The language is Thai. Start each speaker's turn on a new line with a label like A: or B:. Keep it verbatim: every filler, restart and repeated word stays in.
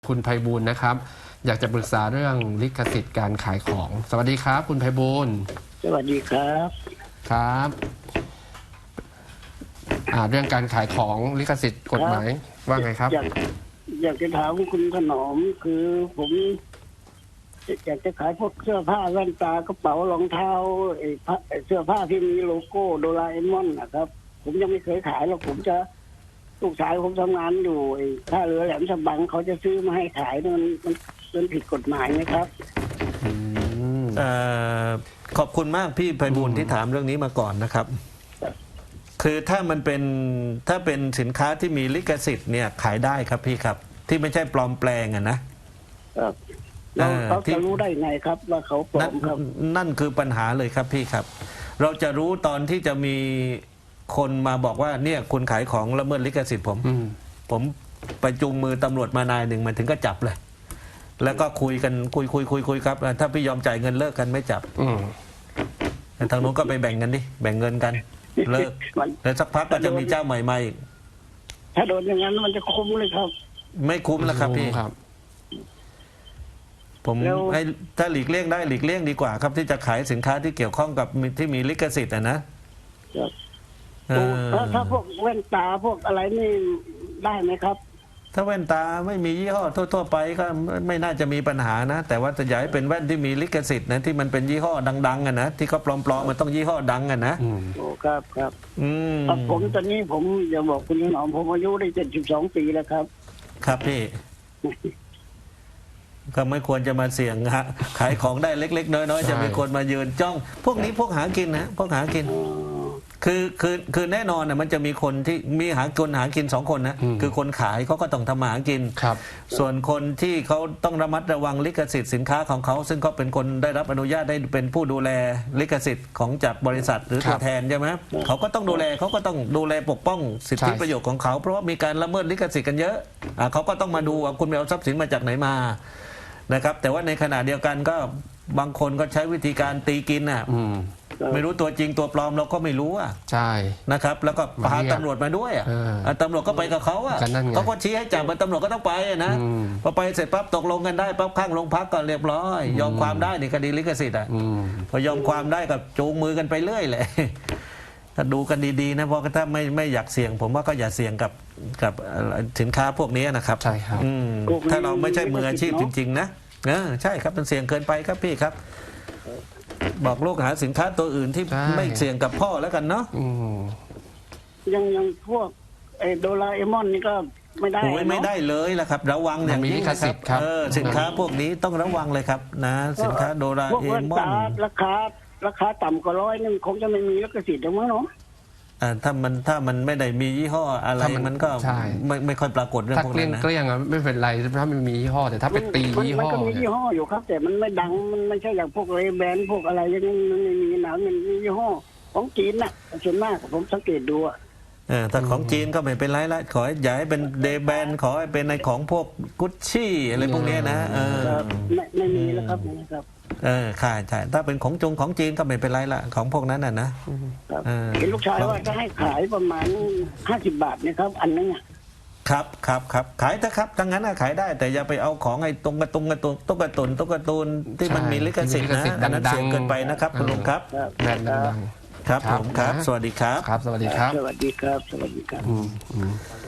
A: คุณไพบูลย์นะครับอยากจะปรึกษาเรื่องลิขสิทธิ์การขายของสวัสดีครับคุณไพบูลย์
B: สวัสดีครับ
A: ครับอ่าเรื่องการขายของลิขสิทธิ์กฎหมายว่าไงครับ
B: อยากอยากจะถามคุณถนอมคือผมอยากจะขายพวกเสื้อผ้าแว่นตากระเป๋ารองเท้าไอ้เสื้อผ้าที่มีโลโก้โดราเอมอนนะครับผมยังไม่เคยขายหรอกผมจะลูกชายผมทำงานอยู่ไอ้ท่าเรือแหลมฉบังเขาจะซื้อมาให้ขายมันมันมันผิดกฎหมายไหมครับ
C: อขอบคุณมากพี่ไพบูลย์ที่ถามเรื่องนี้มาก่อนนะครับคือถ้ามันเป็นถ้าเป็นสินค้าที่มีลิขสิทธิ์เนี่ยขายได้ครับพี่ครับที่ไม่ใช่ปลอมแปลงอะนะครับ
B: เราเขาจะรู้ได้ไงครับว่าเขาปลอมครับ
C: นั่นคือปัญหาเลยครับพี่ครับเราจะรู้ตอนที่จะมีคนมาบอกว่าเนี่ยคุณขายของละเมิดลิขสิทธิ์ผมผมไปจูงมือตำรวจมานายหนึ่งมันถึงก็จับเลยแล้วก็คุยกันคุยคุยคุยคุยครับถ้าพี่ยอมจ่ายเงินเลิกกันไม่จับแต่ทางโน้นก็ไปแบ่งกันดิแบ่งเงินกันเลิกแล้วสักพักก็จะมีเจ้าใหม่มาอีก
B: ถ้าโดนอย่างนั้นมันจะคุ้มเลยครับ
C: ไม่คุ้มแล้วครับพี่ครับผมให้ถ้าหลีกเลี่ยงได้หลีกเลี่ยงดีกว่าครับที่จะขายสินค้าที่เกี่ยวข้องกับที่มีลิขสิทธิ์นะ
B: ถ้าถ้าพวกแว่นตาพวกอะไรนี่ได้ไหมครับ
C: ถ้าแว่นตาไม่มียี่ห้อทั่วๆไปก็ไม่น่าจะมีปัญหานะแต่ว่าจะอยากให้เป็นแว่นที่มีลิขสิทธิ์นะที่มันเป็นยี่ห้อดังๆอ่ะนะที่เขาปลอมๆมันต้องยี่ห้อดังอ่ะนะ
B: โอ้ครับครับอืมผมตอนนี้ผมจะบอกคุณหนอมผมอายุได้เจ็ดสิบสองปีแล้วครับ
C: ครับพี่ก็ไม่ควรจะมาเสี่ยงฮะขายของได้เล็กๆน้อยๆจะมีคนมายืนจ้องพวกนี้พวกหากินนะพวกหากินคือคือคือแน่นอนนะมันจะมีคนที่มีหาคนหากินสองคนนะคือคนขายเขาก็ต้องทำหากิน
A: ครับ
C: ส่วนคนที่เขาต้องระมัดระวังลิขสิทธิ์สินค้าของเขาซึ่งเขาเป็นคนได้รับอนุญาตได้เป็นผู้ดูแลลิขสิทธิ์ของจากบริษัทหรือตัวแทนใช่ไหมเขาก็ต้องดูแลเขาก็ต้องดูแลปกป้องสิทธิประโยชน์ของเขาเพราะว่ามีการละเมิดลิขสิทธิ์กันเยอะเขาก็ต้องมาดูว่าคุณไปเอาทรัพย์สินมาจากไหนมานะครับแต่ว่าในขณะเดียวกันก็บางคนก็ใช้วิธีการตีกินอ่ะไม่รู้ตัวจริงตัวปลอมเราก็ไม่รู้อ่ะ
A: ใช่
C: นะครับแล้วก็พาตำรวจมาด้วยอ่ะตำรวจก็ไปกับเขาอ่ะเขาก็ชี้ให้จับตำรวจก็ต้องไปนะพอไปเสร็จปั๊บตกลงกันได้ปั๊บข้างโรงพักก็เรียบร้อยยอมความได้ในคดีลิขสิทธิ์อ่ะพอยอมความได้กับจูงมือกันไปเรื่อยเลยถ้าดูกันดีๆนะเพราะถ้าไม่ไม่อยากเสี่ยงผมว่าก็อย่าเสี่ยงกับกับสินค้าพวกนี้นะครับ
A: ใช่ครับ
C: ถ้าเราไม่ใช่มืออาชีพจริงๆนะเออใช่ครับมันเสี่ยงเกินไปครับพี่ครับบอกลูกหาสินค้าตัวอื่นที่ไม่เสี่ยงกับพ่อแล้วกันเนาะ
B: ยังยังพวกไอโดราเอมอนนี่ก็ไม่ได้
C: โอ้ยไม่ได้เลยล่ะครับระวังอย่างนี้ครับเออสินค้าพวกนี้ต้องระวังเลยครับนะสินค้าโดราเอมอน
B: ราคาราคาต่ำกว่าร้อยนึงคงจะไม่มีลิขสิทธิ์หรอกมั้งเนาะ
C: ถ้ามันถ้ามันไม่ได้มียี่ห้ออะไรมันก็ไม่ไม่ค่อยปรากฏเรื่องพวกนั้นนะ
A: ถ้าเกลี้ยงๆไม่เป็นไรถ้ามันมียี่ห้อแต่ถ้าเป็นตียี่ห้อ
B: มันก็มียี่ห้ออยู่ครับแต่มันไม่ดังมันไม่ใช่อย่างพวกเรแบนพวกอะไรอย่างนี้มันไม่มีหนังมันมียี่ห้อของจีนน่ะส่วนมากผมสังเกตดูอ่ะ
C: เออถ้าของจีนก็ไม่เป็นไรละขออย่าให้เป็นเดแบนขอให้เป็นในของพวกกุชชี่อะไรพวกนี้นะเออ
B: ไม่ไม่มีแล้วครับนะครับ
C: เออค่ะใช่ถ้าเป็นของจงของจีนก็ไม่เป็นไรละของพวกนั้นน่ะนะ
B: เห็นลูกชายว่าจะให้ขายประมาณห้าสิบบาทนะครับอันนึงอ่ะ
C: ครับครับครับขายเถอะครับทั้งนั้นขายได้แต่อย่าไปเอาของไอ้ตรงกระตุงกระตุนตุ๊กกระตุนตุ๊กกระตุนที่มันมีลิขสิทธิ์นะอันนั้นเสี่ยงเกินไปนะครับคุณลุงครับ
A: แบรนด์ดัง
C: ครับผมครับสวัสดีครับ
A: ครับสวัสดีครับ
B: สวัสดีครับสวัสดีครับ